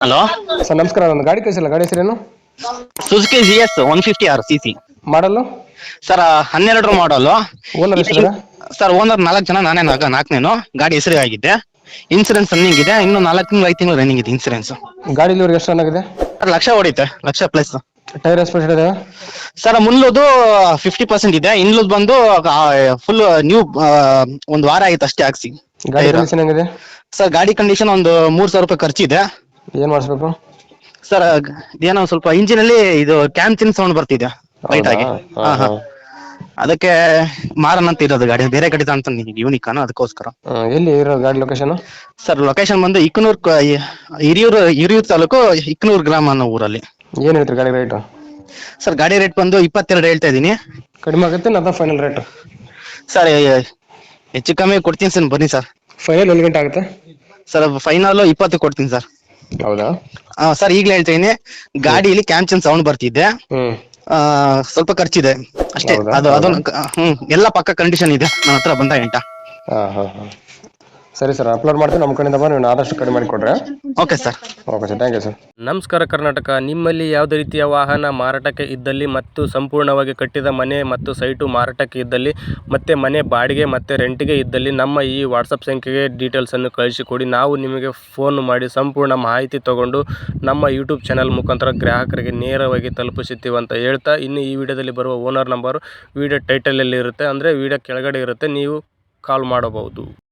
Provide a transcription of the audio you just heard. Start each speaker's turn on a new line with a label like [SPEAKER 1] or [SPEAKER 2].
[SPEAKER 1] Hello.
[SPEAKER 2] Sir ನಮಸ್ಕಾರ, ಒಂದು ಗಾಡಿ ಕಳಿಸಿಲ್ಲ, ಗಾಡಿ ಹೆಸರೇನು?
[SPEAKER 1] Suzuki GS 150 RCC.
[SPEAKER 2] ಮಾಡಲು
[SPEAKER 1] ಸರ್ 12 ಮಾಡಲು.
[SPEAKER 2] ಓನರ್ ಎಷ್ಟಿದಾರೆ?
[SPEAKER 1] ಸರ್ ಓನರ್ 4 ಜನ, ನಾನೇ ನಾಲ್ಕನೇನು. ಗಾಡಿ ಹೆಸರಿಗೆ ಆಗಿದೆ, ಇನ್ಸೂರೆನ್ಸ್ ರನ್ನಿಂಗ್ ಇದೆ, ಇನ್ನು 4 ತಿಂಗಳು 5 ತಿಂಗಳು ರನ್ನಿಂಗ್ ಇದೆ ಇನ್ಸೂರೆನ್ಸ್.
[SPEAKER 2] ಗಾಡಿ ಇಲ್ಲಿವರೆಗೆ ಎಷ್ಟು ರನ್ ಆಗಿದೆ?
[SPEAKER 1] ಸರ್ ಲಕ್ಷ ಹೊಡಿತೆ, ಲಕ್ಷ ಪ್ಲಸ್.
[SPEAKER 2] ಟೈರ್ ಎಸ್ಪೆಷಲ್ ಇದೆ?
[SPEAKER 1] ಸರ್ ಮುಂದದು 50% ಇದೆ, ಇನ್ನುದು ಬಂದು ಫುಲ್ ನ್ಯೂ. ಒಂದು ವಾರ ಆಯ್ತು ಅಷ್ಟೇ ಹಾಕ್ಸಿ.
[SPEAKER 2] ಗಾಡಿ ಕಂಡೀಷನ್ ಹೆಂಗಿದೆ?
[SPEAKER 1] ಸರ್ ಗಾಡಿ ಕಂಡೀಷನ್ ಒಂದು 3,000 ರೂಪಾಯಿ ಖರ್ಚಿದೆ.
[SPEAKER 2] ಏನ್ ಮಾಡಿಸ್ಬೇಕು
[SPEAKER 1] ಸರ್? ಏನೋ ಸ್ವಲ್ಪ ಇಂಜಿನ್ ಅಲ್ಲಿ ಇದು ಕ್ಯಾಮ್ಚಿನ್ ಸೌಂಡ್ ಬರ್ತಿದೆ ಲೈಟ್ ಆಗಿ. ಅದಕ್ಕೆ ಮಾರನ್ ಅಂತ ಇರೋದು ಗಾಡಿ, ಬೇರೆ ಗಾಡಿ ಅಂತ ಯೂನಿಕ್ ಅನ್ನೋ, ಅದಕ್ಕೋಸ್ಕರ.
[SPEAKER 2] ಎಲ್ಲಿ ಇರೋ ಗಾಡಿ ಲೊಕೇಶನ್?
[SPEAKER 1] ಸರ್ ಲೊಕೇಶನ್ ಬಂದು ಹಿರಿಯೂರು ತಾಲೂಕು ಇಕ್ನೂರ್ ಗ್ರಾಮ ಅನ್ನೋ ಊರಲ್ಲಿ.
[SPEAKER 2] ಏನ್ ಹೇಳ್ತೀರಿ ಗಾಡಿ ರೇಟ್?
[SPEAKER 1] ಸರ್ ಗಾಡಿ ರೇಟ್ ಬಂದು 22 ಹೇಳ್ತಾ ಇದೀನಿ.
[SPEAKER 2] ಕಡಿಮೆ ಆಗುತ್ತೆ ನಾ ಫೈನಲ್ ರೇಟ್?
[SPEAKER 1] ಸರ್ ಹೆಚ್ಚು ಕಮ್ಮಿ ಕೊಡ್ತೀನಿ ಸರ್, ಬನ್ನಿ ಸರ್.
[SPEAKER 2] ಫೈನಲ್ 1 ಗಂಟೆ ಆಗುತ್ತೆ
[SPEAKER 1] ಸರ್? ಫೈನಲ್ 20 ಕೊಡ್ತೀನಿ ಸರ್.
[SPEAKER 2] ಹೌದಾ
[SPEAKER 1] ಸರ್ ಈಗಲೇ ಹೇಳ್ತೀನಿ, ಗಾಡಿಯಲ್ಲಿ ಕ್ಯಾಮ್ಚನ್ ಸೌಂಡ್ ಬರ್ತಿದ್ದೆ, ಸ್ವಲ್ಪ ಖರ್ಚಿದೆ ಅಷ್ಟೇ. ಎಲ್ಲ ಪಕ್ಕ ಕಂಡೀಷನ್ ಇದೆ ನನ್ನ ಹತ್ರ ಬಂದ ಗಂಟ.
[SPEAKER 2] ಸರಿ ಸರ್, ಅಪ್ಲೋಡ್ ಮಾಡ್ತೀನಿ. ನಮ್ಮ ಕಡೆಯಿಂದ ನೀವು ಆದಷ್ಟು ಕಡಿಮೆ ಮಾಡಿ ಕೊಡ್ರೆ.
[SPEAKER 1] Okay sir.
[SPEAKER 2] Okay sir, thank you sir.
[SPEAKER 3] ನಮಸ್ಕಾರ ಕರ್ನಾಟಕ. ನಿಮ್ಮಲ್ಲಿ ಯಾವುದೇ ರೀತಿಯ ವಾಹನ ಮಾರಾಟಕ್ಕೆ ಇದ್ದಲ್ಲಿ ಮತ್ತು ಸಂಪೂರ್ಣವಾಗಿ ಕಟ್ಟಿದ ಮನೆ ಮತ್ತು ಸೈಟು ಮಾರಾಟಕ್ಕೆ ಇದ್ದಲ್ಲಿ ಮತ್ತು ಮನೆ ಬಾಡಿಗೆ ಮತ್ತು ರೆಂಟಿಗೆ ಇದ್ದಲ್ಲಿ ನಮ್ಮ ಈ ವಾಟ್ಸಪ್ ಸಂಖ್ಯೆಗೆ ಡೀಟೇಲ್ಸನ್ನು ಕಳಿಸಿಕೊಡಿ. ನಾವು ನಿಮಗೆ ಫೋನ್ ಮಾಡಿ ಸಂಪೂರ್ಣ ಮಾಹಿತಿ ತಗೊಂಡು ನಮ್ಮ ಯೂಟ್ಯೂಬ್ ಚಾನಲ್ ಮುಖಾಂತರ ಗ್ರಾಹಕರಿಗೆ ನೇರವಾಗಿ ತಲುಪಿಸುತ್ತೀವಿ ಅಂತ ಹೇಳ್ತಾ, ಇನ್ನು ಈ ವಿಡಿಯೋದಲ್ಲಿ ಬರುವ ಓನರ್ ನಂಬರು ವಿಡಿಯೋ ಟೈಟಲಲ್ಲಿ ಇರುತ್ತೆ, ಅಂದರೆ ವಿಡಿಯೋ ಕೆಳಗಡೆ ಇರುತ್ತೆ, ನೀವು ಕಾಲ್ ಮಾಡಬಹುದು.